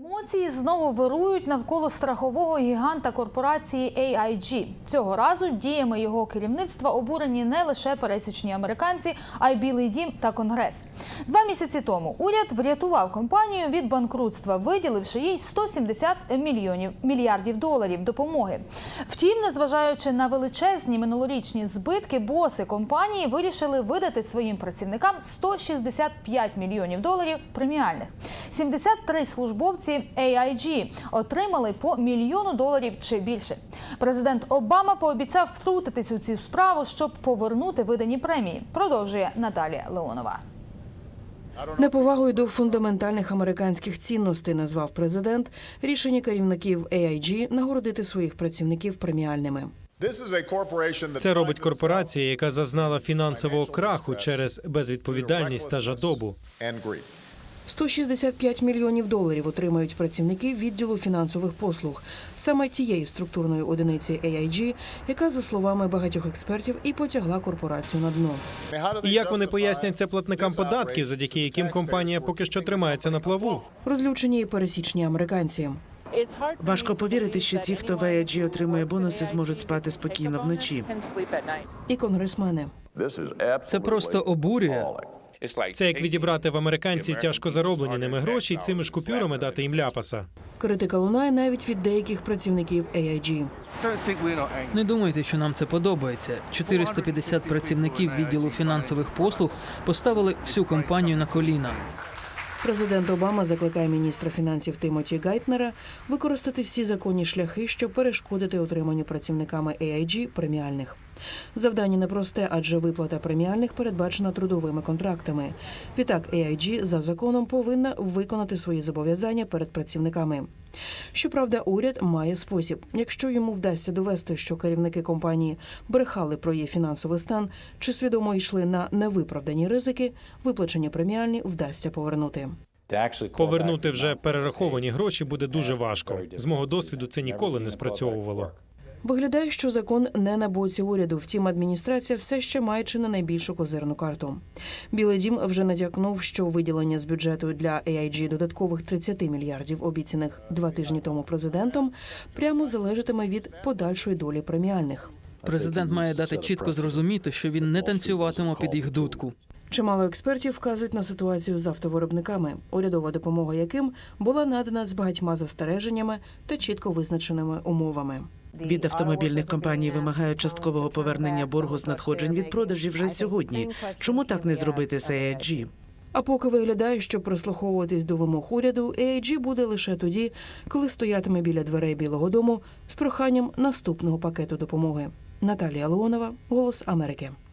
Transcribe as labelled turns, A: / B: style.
A: Емоції знову вирують навколо страхового гіганта корпорації AIG. Цього разу діями його керівництва обурені не лише пересічні американці, а й Білий дім та Конгрес. 2 місяці тому уряд врятував компанію від банкрутства, виділивши їй 170 мільярдів доларів допомоги. Втім, незважаючи на величезні минулорічні збитки, боси компанії вирішили видати своїм працівникам 165 мільйонів доларів преміальних. 73 службовці AIG отримали по $1 мільйон чи більше. Президент Обама пообіцяв втрутитись у цю справу, щоб повернути видані премії. Продовжує Наталія Леонова.
B: Неповагою до фундаментальних американських цінностей назвав президент рішення керівників AIG нагородити своїх працівників преміальними.
C: Це робить корпорація, яка зазнала фінансового краху через безвідповідальність та жадобу.
B: 165 мільйонів доларів отримають працівники відділу фінансових послуг, саме тієї структурної одиниці AIG, яка, за словами багатьох експертів, і потягла корпорацію на дно.
C: І як вони пояснять це платникам податків, завдяки яким компанія поки що тримається на плаву?
B: Розлючені і пересічні американці.
D: Важко повірити, що ті, хто в AIG отримує бонуси, зможуть спати спокійно вночі.
B: І конгресмени.
E: Це просто обурює.
C: Це як відібрати в американців тяжко зароблені ними гроші і цими ж купюрами дати їм ляпаса.
B: Критика лунає навіть від деяких працівників AIG.
E: Не думайте, що нам це подобається. 450 працівників відділу фінансових послуг поставили всю компанію на коліна.
B: Президент Обама закликає міністра фінансів Тімоті Гайтнера використати всі законні шляхи, щоб перешкодити отриманню працівниками AIG преміальних. Завдання непросте, адже виплата преміальних передбачена трудовими контрактами. Відтак, AIG за законом повинна виконати свої зобов'язання перед працівниками. Щоправда, уряд має спосіб. Якщо йому вдасться довести, що керівники компанії брехали про її фінансовий стан чи свідомо йшли на невиправдані ризики, виплачені преміальні вдасться повернути.
C: Повернути вже перераховані гроші буде дуже важко. З мого досвіду це ніколи не спрацьовувало.
B: Виглядає, що закон не на боці уряду. Втім, адміністрація все ще має чи не найбільшу козирну карту. Білий дім вже натякнув, що виділення з бюджету для AIG додаткових 30 мільярдів, обіцяних 2 тижні тому президентом, прямо залежатиме від подальшої долі преміальних.
E: Президент має дати чітко зрозуміти, що він не танцюватиме під їх дудку.
B: Чимало експертів вказують на ситуацію з автовиробниками, урядова допомога яким була надана з багатьма застереженнями та чітко визначеними умовами.
D: Від автомобільних компаній вимагають часткового повернення боргу з надходжень від продажів вже сьогодні. Чому так не зробити з AIG?
B: А поки виглядає, що прислуховуватись до вимог уряду, AIG буде лише тоді, коли стоятиме біля дверей Білого дому з проханням наступного пакету допомоги. Наталія Леонова, «Голос Америки».